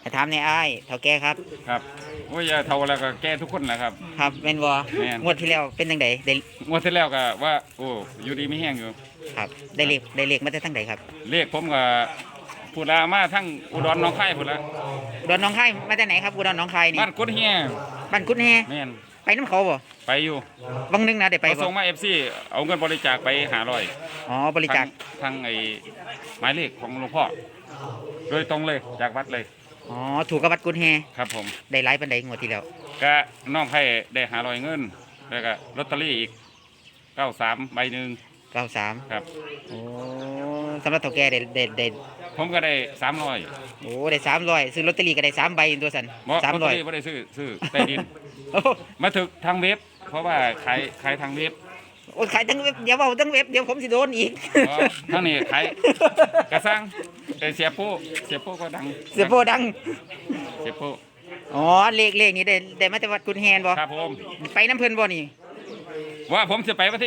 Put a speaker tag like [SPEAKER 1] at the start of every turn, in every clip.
[SPEAKER 1] ให้ถามในอ้ายเท่าแก่ครับ
[SPEAKER 2] ครับโอ้ยอย่าเท่าแล้วก็แก้ทุกคนแหละครับ
[SPEAKER 1] ครับแม่นบ่
[SPEAKER 2] แม่น
[SPEAKER 1] งวดที่แล้วเป็นจังไดได้
[SPEAKER 2] งวดที่แล้วก็ว่าโอ้อยู่ดีไม่แห้งอยู่
[SPEAKER 1] ครับได้เลขมาแต่ทางใดครับ
[SPEAKER 2] เลขผมก็พูดลามาทั้งอุดรหนองคายพูดละ
[SPEAKER 1] อุดรหนองคายมาจากไหนครับอุดรหนองคายนี่
[SPEAKER 2] บ้านกุดเฮีย
[SPEAKER 1] บ้านกุดแฮ
[SPEAKER 2] แม่น
[SPEAKER 1] ไปน้ำเขาบ่
[SPEAKER 2] ไปอยู่
[SPEAKER 1] บางนึงนะได้ไป
[SPEAKER 2] เขา
[SPEAKER 1] บ่
[SPEAKER 2] ส่งมาFC เอาเงินบริจาคไป
[SPEAKER 1] อ๋อบริจาค
[SPEAKER 2] ทางไอ้หมายเลขของหลวงพ่อโดยตรงเลยจากวัดเลย
[SPEAKER 1] อ๋อถูกกับวัดกุดแฮ
[SPEAKER 2] ครับผม
[SPEAKER 1] ได้หลายปานใดงวดที่แล้ว
[SPEAKER 2] ก็น้องไผ่ได้500เงินแล้วก็ลอตเตอรี่อีก93ใบหนึ่ง
[SPEAKER 1] 93
[SPEAKER 2] ครับ
[SPEAKER 1] โอ้สำหรับเท่าแก่ได้
[SPEAKER 2] ผมก็ได้300
[SPEAKER 1] โอ้ได้300ซื้อลอตเตอรี่ก็ได้3ใบตัวสั่น
[SPEAKER 2] บ่ลอตเตอรี่
[SPEAKER 1] 300
[SPEAKER 2] บ่ได้ซื้อใต้ดิน
[SPEAKER 1] โอ้
[SPEAKER 2] มาถึกทางเว็บ เพราะว่าขายทางเว็บ
[SPEAKER 1] โอ้ขายทั้งเว็บเดี๋ยวเว้าทั้งเว็บเดี๋ยวผมสิโดนอีก
[SPEAKER 2] อ๋อทางนี้ขายกระซังแต่เสียโป้ก็ดัง
[SPEAKER 1] เสียโปดัง
[SPEAKER 2] เสียโป้
[SPEAKER 1] อ๋อเลขนี้ได้มาจากวัดกุดแฮนบ่
[SPEAKER 2] ครับผม
[SPEAKER 1] ไปน้ำเพิ่นบ่นี่
[SPEAKER 2] ว่าผมจะไปวันที่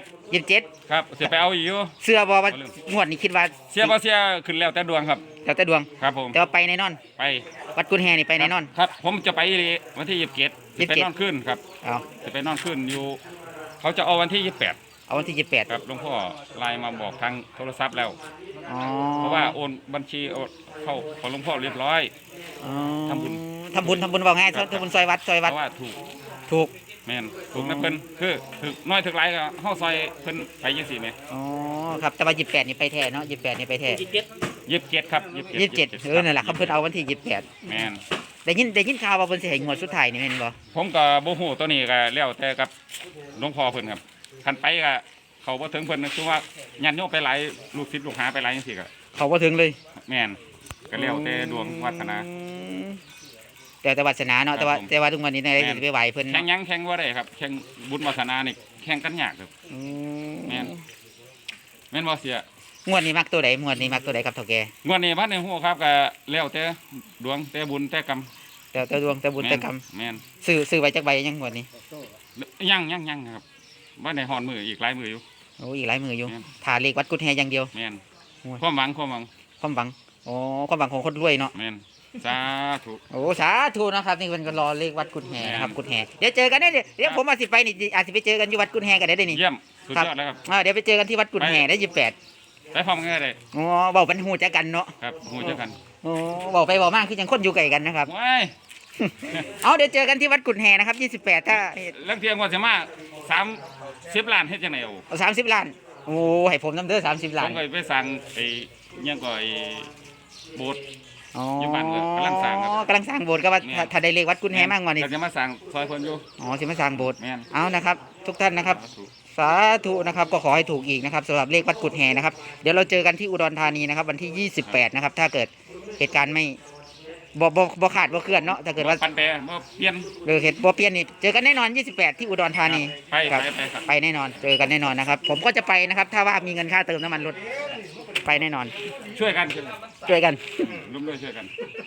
[SPEAKER 1] 27
[SPEAKER 2] ครับจะไปเอาอยู่
[SPEAKER 1] เสื้อบ่ว่างวดนี้คิดว่า
[SPEAKER 2] เสียบ่เสียขึ้นแล้วแต่ดวงครับ
[SPEAKER 1] แล้วแต่ดวง
[SPEAKER 2] ครับผม
[SPEAKER 1] แต่ว่าไปแน่นอน
[SPEAKER 2] ไป
[SPEAKER 1] วัดกุดแฮนี่ไปแน่นอน
[SPEAKER 2] ครับ ผมจะไปวันที่27จะไปนอนขึ้นครับ
[SPEAKER 1] เอา
[SPEAKER 2] จะไปนอนขึ้นอยู่ เขาจะเอาวันที่28
[SPEAKER 1] เอาวันที่28
[SPEAKER 2] ครับหลวงพ่อไลน์มาบอกทางโทรศัพท์แล้ว
[SPEAKER 1] อ๋อ
[SPEAKER 2] เพราะว่าโอนบัญชีเข้าของหลวงพ่อเรียบร้อย
[SPEAKER 1] อ๋อ
[SPEAKER 2] ทำบุญ
[SPEAKER 1] ทำบุญว่าไงทำบุญซอยวัด
[SPEAKER 2] เพราะว่าถูก
[SPEAKER 1] ถูก
[SPEAKER 2] แม่นถูกนะเพิ่นคือถึกน้อยถึกหลายก็เฮาซอยเพิ่นไปจังซี่แหม
[SPEAKER 1] อ๋อครับแต่ว่า28นี่ไปแท้เนาะ28นี่ไปแท้
[SPEAKER 2] 27ครับ
[SPEAKER 1] 27นั่นแหละครับเพิ่นเอาวันที่28
[SPEAKER 2] แม่น
[SPEAKER 1] ได้ยินข่าวว่าเพิ่นสิให้งวดสุดท้ายนี่แม่นบ่
[SPEAKER 2] ผมก็บ่ฮู้ตัวนี้ก็แล้วแต่กับหลวงพ่อเพิ่นครับคันไปก็เขาบ่ถึงเพิ่นคือว่าญาติโยมไปหลายลูกศิษย์ลูกหาไปหลายจังซี่ก็
[SPEAKER 1] เขาบ่ถึงเลย
[SPEAKER 2] แม่นก็แล้วแต่ดวงวาสนา
[SPEAKER 1] อืมแต่วาสนาเนาะ
[SPEAKER 2] ครับผม
[SPEAKER 1] แต่ว่าทุกวันนี้ได้
[SPEAKER 2] แม่น
[SPEAKER 1] ไปไหวเพิ่น
[SPEAKER 2] แข่งหยังแข่งบ่ได้ครับแข่งบุญวาสนานี่แข่งกันยากครับ
[SPEAKER 1] อื
[SPEAKER 2] แม่น แม่นบ่เสีย
[SPEAKER 1] งวดนี้มักตัวใดงวดนี้มักตัวใดครับเฒ่าแก่
[SPEAKER 2] งวดนี้พันในฮู้ครับก็แล้วแต่ดวงแต่บุญแต่กรรม
[SPEAKER 1] แต่ดวงแต่บุญแต่กรรม
[SPEAKER 2] แม่น
[SPEAKER 1] ซื้อไว้จักใบยังงวดนี้
[SPEAKER 2] ยังครับว่าในหอนมืออีกหลายมืออยู่
[SPEAKER 1] โอ้อีกหลายมืออยู่
[SPEAKER 2] แม่น
[SPEAKER 1] ถ่าเลขวัดกุดแฮอย่างเดียว
[SPEAKER 2] แม่น
[SPEAKER 1] โอ้ย
[SPEAKER 2] ความหวัง
[SPEAKER 1] ความหวังของคนรวยเนาะ
[SPEAKER 2] แม่นสาธุ
[SPEAKER 1] โอ้สาธุนะครับนี่เพิ่นก็รอเลขวัดกุดแฮนะครับ
[SPEAKER 2] แม่น
[SPEAKER 1] กุดแฮเดี๋ยวเจอกันเดี๋ยวผมอาจสิไปนี่อาจสิไปเจอกันที่วัดกุดแฮกันได้นี่
[SPEAKER 2] เยี่ยมสุดยอดแล้วครับ
[SPEAKER 1] เดี๋ยวไปเจอกันที่วัดกุดแฮได้28
[SPEAKER 2] ไปพร้อมกันเลย
[SPEAKER 1] อ๋อเว้าเป็นฮู้จักกันเนาะ
[SPEAKER 2] ครับหูเจอกัน
[SPEAKER 1] โอ้เว้าไปเว้ามาคือจังคนอยู่ไกลกันนะครับ
[SPEAKER 2] ว้าย
[SPEAKER 1] เอาเดี๋ยวเจอกันที่วัดกุดแฮนะครับ28ถ้า
[SPEAKER 2] เรื่องเที่ยงก่อนจะมา30ล้านเฮ็ดจังได๋โอ้
[SPEAKER 1] เอา30 ล้าน โอ้ให้ผมนำเด้อ30 ล้า
[SPEAKER 2] ผ
[SPEAKER 1] น
[SPEAKER 2] มก็ไปสั่งไอ้เงี้ยงก็ไอ้โบสถ์
[SPEAKER 1] อ๋อ
[SPEAKER 2] อยู่บ้านก็กำลังสร้างครับ
[SPEAKER 1] กำลังสร้างโบสถ์ก็ว่า
[SPEAKER 2] แม่น
[SPEAKER 1] ถ้าได้เลขวัดกุดแฮมากกว่านี้
[SPEAKER 2] ก็จะมาสั่งซอยเพิ่นอยู่
[SPEAKER 1] อ๋อสิมาสร้างโบสถ์
[SPEAKER 2] แม่น
[SPEAKER 1] เอานะครับ ทุกท่านนะครับ
[SPEAKER 2] สาธุ
[SPEAKER 1] สาธุนะครับก็ขอให้ถูกอีกนะครับสำหรับเลขวัดกุดแฮนะครับเดี๋ยวเราเจอกันที่อุดรธานีนะครับวันที่28นะครับถ้าเกิดเหตุการณ์ไม่บ่ขาดบ่เคลื่อนเนาะถ้าเกิดว่า
[SPEAKER 2] ปันแปรบ่เปลี่ยน
[SPEAKER 1] เหตุบ่เปลี่ยนนี่เจอกันแน่นอน28ที่อุดรธานี
[SPEAKER 2] ไป
[SPEAKER 1] ครับ
[SPEAKER 2] ไปครับ
[SPEAKER 1] ไปแน่นอนเจอกันแน่นอนนะครับผมก็จะไปนะครับถ้าว่ามีเงินค่าเติมน้ำมันรถไปแน่นอน
[SPEAKER 2] ช่วยกัน
[SPEAKER 1] ช่วยกัน
[SPEAKER 2] ร่วมด้วยช่วยกัน